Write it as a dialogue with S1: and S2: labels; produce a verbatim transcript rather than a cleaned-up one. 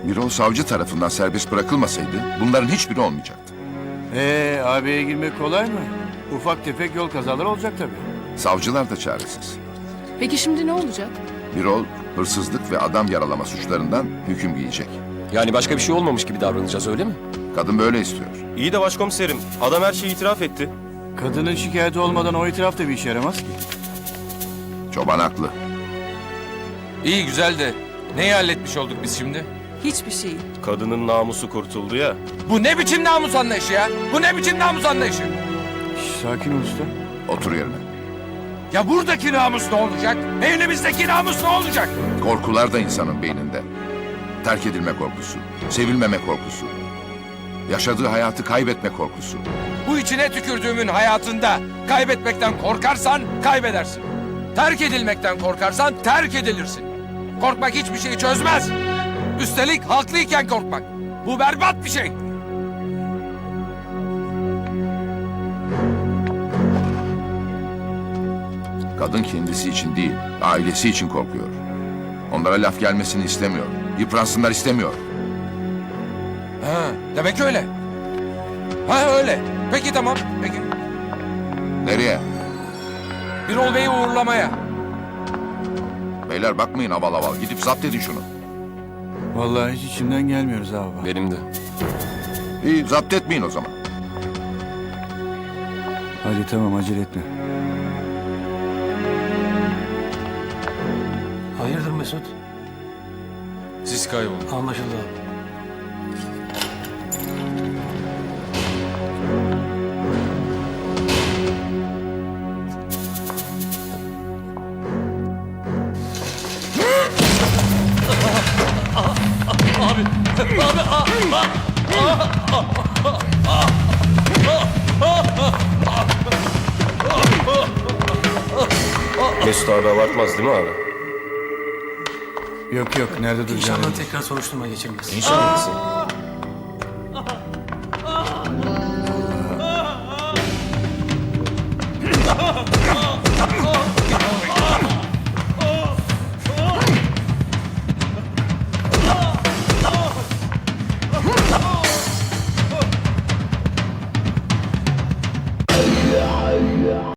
S1: Birol savcı tarafından serbest bırakılmasaydı bunların hiçbiri olmayacaktı.
S2: Ee, abiye girmek kolay mı? Ufak tefek yol kazaları olacak tabii.
S1: Savcılar da çaresiz.
S3: Peki şimdi ne olacak?
S1: Birol hırsızlık ve adam yaralama suçlarından hüküm giyecek.
S4: Yani başka bir şey olmamış gibi davranacağız öyle mi?
S1: Kadın böyle istiyor.
S5: İyi de başkomiserim, adam her şeyi itiraf etti.
S2: Kadının şikayeti olmadan o itiraf da bir işe yaramaz ki.
S1: Çoban haklı.
S6: İyi güzel de neyi halletmiş olduk biz şimdi?
S3: Hiçbir şey.
S5: Kadının namusu kurtuldu ya.
S6: Bu ne biçim namus anlayışı ya? Bu ne biçim namus anlayışı?
S2: Şş, sakin ol usta.
S1: Otur yerine.
S6: Ya buradaki namus ne olacak? Evimizdeki namus ne olacak?
S1: Korkular da insanın beyninde. Terk edilme korkusu, sevilmeme korkusu, yaşadığı hayatı kaybetme korkusu.
S6: Bu içine tükürdüğümün hayatında kaybetmekten korkarsan kaybedersin. Terk edilmekten korkarsan terk edilirsin. Korkmak hiçbir şeyi çözmez. Üstelik haklıyken korkmak. Bu berbat bir şey.
S1: Kadın kendisi için değil, ailesi için korkuyor. Onlara laf gelmesini istemiyor. Yıpransınlar istemiyor.
S6: Ha, demek öyle. Ha öyle. Peki tamam. Peki.
S1: Nereye?
S6: Birol Bey'i uğurlamaya.
S1: Beyler bakmayın aval aval. Gidip zapt edin şunu.
S2: Vallahi hiç içimden gelmiyoruz abi.
S4: Benim de.
S1: İyi zapt etmeyin o zaman.
S2: Hadi tamam, acele etme.
S7: Hayırdır Mesut?
S6: Siz kaybolun.
S7: Anlaşıldı abi.
S5: Mesut abi abartmaz değil mi abi?
S2: Yok yok, nerede duracağını.
S7: İnşallah tekrar soruşturma geçirmez.
S5: İnşallah.